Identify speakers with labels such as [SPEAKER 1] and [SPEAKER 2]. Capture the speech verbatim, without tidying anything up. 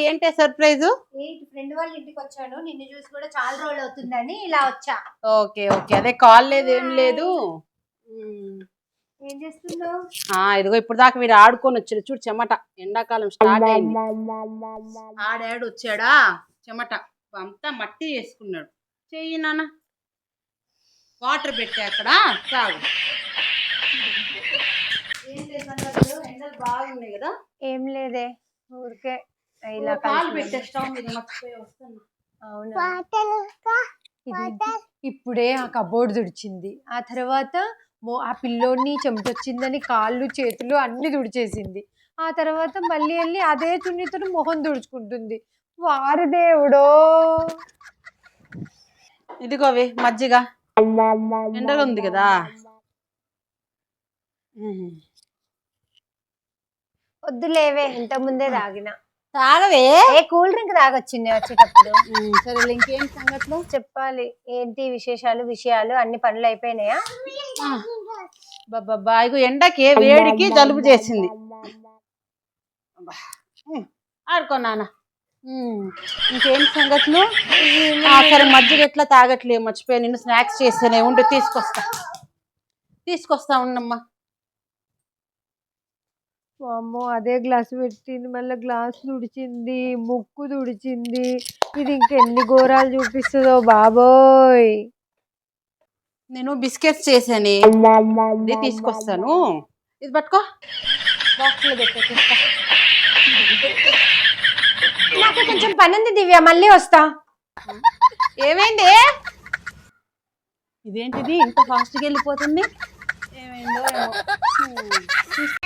[SPEAKER 1] ఏంటి surprise?
[SPEAKER 2] Friend వాళ్ళ ఇంటికి వచ్చాను, నిన్ను చూసి కూడా చాలా రోజులు అవుతుందని ఇలా వచ్చా.
[SPEAKER 1] ఓకే ఓకే, అదే కాల్ లేదు ఏం లేదు.
[SPEAKER 2] ఏం చేస్తున్నావు?
[SPEAKER 1] ఇదిగో ఇప్పుడు దాకా వీడు ఆడుకొని వచ్చాడు చూడు, చెమట. ఎండాకాలం స్టార్ట్ అయింది, ఆడాడు వచ్చాడా చెమట అంతా మట్టి వేసుకున్నాడు. చెయ్యి నాన్న, వాటర్ పెట్టా అక్కడ తాగు. ఏం లేదు, ఎండలు బాగున్నాయి కదా.
[SPEAKER 2] ఏం లేదే, ఊరికే
[SPEAKER 1] ఇలా కాలు పెట్టే స్టవ్ మీద మర్చిపోయి వస్తున్నా.
[SPEAKER 2] అవునా, ఇప్పుడే ఆ కబోర్డ్ తుడిచింది, ఆ తర్వాత ఆ పిల్లోడిని చెమటొచ్చిందని కాళ్ళు చేతులు అన్ని తుడిచేసింది. ఆ తర్వాత మళ్ళీ వెళ్ళి అదే చున్నీతో మొహం తుడుచుకుంటుంది. వారి దేవుడో.
[SPEAKER 1] ఇదిగోవి మజ్జిగ, ఎండగా ఉంది కదా.
[SPEAKER 2] వద్దులేవే, ఇంత ముందే తాగిన.
[SPEAKER 1] తాగవే,
[SPEAKER 2] ఏ కూల్ డ్రింక్ తాగొచ్చింది వచ్చేటప్పుడు.
[SPEAKER 1] సరే ఇంకేం సంగతులు
[SPEAKER 2] చెప్పాలి, ఏంటి విశేషాలు విషయాలు? అన్ని పనులు అయిపోయినాయా?
[SPEAKER 1] బాబా ఇగో ఎండకి వేడికి జలుబు చేసింది. ఆడుకో నాన్న. ఇంకేం సంగతులు? సరే మజ్జిగ ఎట్లా తాగట్లేదు, మర్చిపోయా. నిన్ను స్నాక్స్ చేస్తేనే ఉండి తీసుకొస్తా తీసుకొస్తా ఉండమ్మా.
[SPEAKER 2] అమ్మో, అదే గ్లాస్ పెట్టింది, మళ్ళీ గ్లాస్ తుడిచింది, ముక్కు తుడిచింది. ఇది ఇంకెన్ని ఘోరాలు చూపిస్తుందో బాబోయ్.
[SPEAKER 1] నేను బిస్కెట్స్ చేశాను, ఇది తీసుకొస్తాను. ఇది పట్టుకో, బాక్స్ లో పెట్టేస్తా.
[SPEAKER 2] నాకు కొంచెం పని ఉంది దివ్య, మళ్ళీ వస్తా.
[SPEAKER 1] ఏమైంది? ఇదేంటిది ఇంత ఫాస్ట్గా వెళ్ళిపోతుంది? ఏమైందో ఏమో.